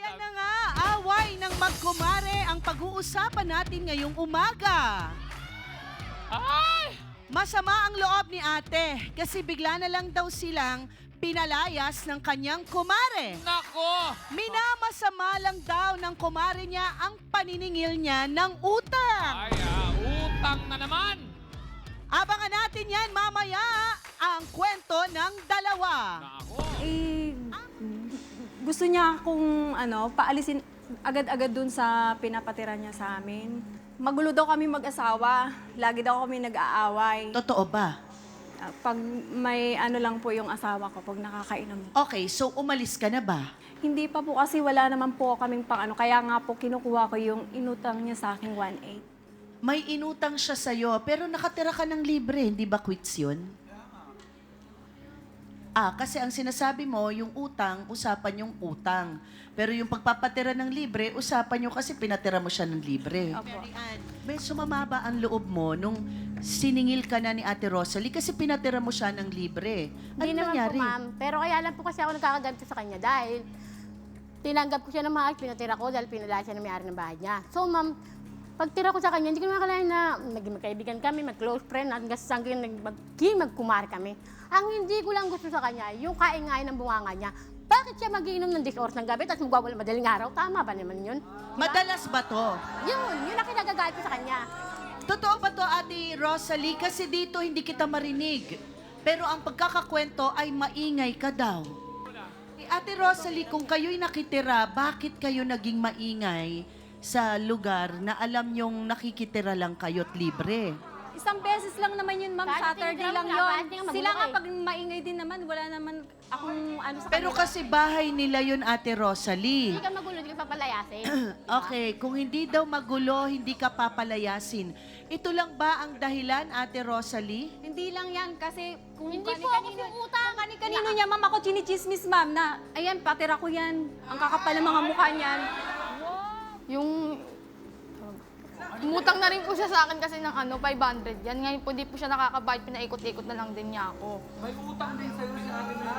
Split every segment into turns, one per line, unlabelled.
Ayan na nga, away ng magkumare ang pag-uusapan natin ngayong umaga.
Ay!
Masama ang loob ni ate kasi bigla na lang daw silang pinalayas ng kanyang kumare.
Nako!
Minamasama lang daw ng kumare niya ang paniningil niya ng utang.
Ay, utang na naman!
Abangan natin yan mamaya ang kwento ng dalawa.
Nako!
Eh, gusto niya akong paalisin agad-agad dun sa pinapatira niya sa amin. Magulo daw kami mag-asawa. Lagi daw kami nag-aaway.
Totoo ba?
Pag may lang po yung asawa ko, pag nakakainom.
Okay, so umalis ka na ba?
Hindi pa po kasi wala naman po kaming kaya nga po kinukuha ko yung inutang niya sa akin 1.8.
May inutang siya sa'yo, pero nakatira ka ng libre, hindi ba quits yun? Kasi ang sinasabi mo, yung utang, usapan yung utang. Pero yung pagpapatira ng libre, usapan nyo kasi pinatira mo siya ng libre.
Opo.
May sumama ba ang loob mo nung siningil ka na ni Ate Rosalie kasi pinatira mo siya ng libre? Ano
Hindi naman
nangyari?
po, ma'am. Pero kaya lang po kasi ako nagkakaganto sa kanya dahil tinanggap ko siya ng maayos, pinatira ko dahil pinalaya siya ng may-ari ng bahay niya. So, ma'am, pagtira ko sa kanya, hindi ko naman akalain na maging magkaibigan kami, mag-close friend, hanggang sa hanggang magkumar kami. Ang hindi ko lang gusto sa kanya, yung kaingay ng bunganga niya. Bakit siya magiinom ng 10 oras ng gabi at magwawala madaling araw? Tama ba naman yun?
Madalas ba to?
Yun ang kinagagalit ko sa kanya.
Totoo ba to, Ate Rosalie? Kasi dito hindi kita marinig. Pero ang pagkakakwento ay maingay ka daw. Ate Rosalie, kung kayo'y nakitira, bakit kayo naging maingay sa lugar na alam nyong nakikitira lang kayo't libre?
Isang beses lang naman yun, ma'am.
Kahit
Saturday
tingnan
lang
mo na,
yun.
kahit tingnan mo
Sila
magulo
nga
eh.
pag maingay din naman, wala naman akong sa
Pero
kanila.
kasi bahay nila yun, Ate Rosalie.
Hindi ka magulo, hindi ka papalayasin.
Okay, kung hindi daw magulo, hindi ka papalayasin. Ito lang ba ang dahilan, Ate Rosalie?
Hindi lang yan kasi kung
Hindi po ako sumuutang.
kanino niya, ma'am, ako chinichismis, ma'am, na ayan, patira ko yan. Ang kakapal ng mga mukha niyan.
Yung umutang na rin po siya sa akin kasi ng 500 yan. Ngayon po di po siya nakakabayad, pinaikot-ikot na lang din niya ako. May utang din sa'yo si ate na.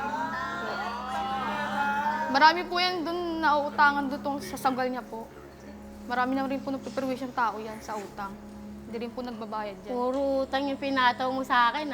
Marami po yan doon nauutangan doon sa sagal niya po. Marami na rin po nagpiperwisyon tao yan sa utang. Hindi rin po nagbabayad yan.
Puro utang yung pinataw mo sa akin,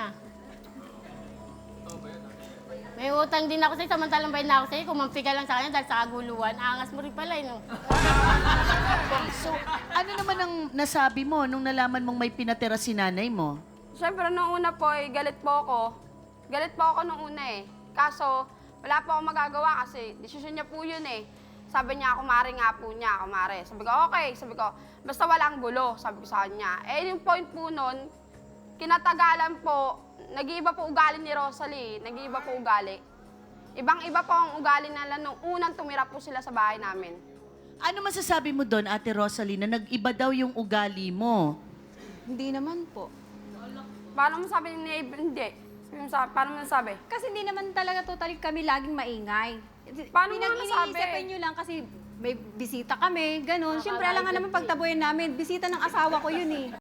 May utang din ako sa'yo, samantalang bayad na ako sa'yo. Kumampi ka lang sa kanya dahil sa kaguluhan. Angas mo rin pala, no?
So, ano naman ang nasabi mo nung nalaman mong may pinatira si nanay mo?
Siyempre, nung una po, galit po ako. Galit po ako nung una Kaso, wala po ako magagawa kasi desisyon niya po yun Sabi niya, kumare nga po niya, kumare. Sabi ko, okay. Sabi ko, basta walang gulo, sabi ko sa kanya. Yung point po nun, kinatagalan po, nag-iiba po ugali ni Rosalie. Nag-iiba po ugali. Ibang-iba po ang ugali nila nung unang tumira po sila sa bahay namin.
Ano masasabi mo doon, Ate Rosalie, na nag-iba daw yung ugali mo?
Hindi naman po.
Paano mo sabi ni hindi? Paano mo nasabi?
Kasi hindi naman talaga totally kami laging maingay.
Paano mo nasabi?
Pinag-iisipan nyo lang kasi may bisita kami, ganun. Siyempre, alam nga naman pagtabuhin namin, bisita ng asawa ko yun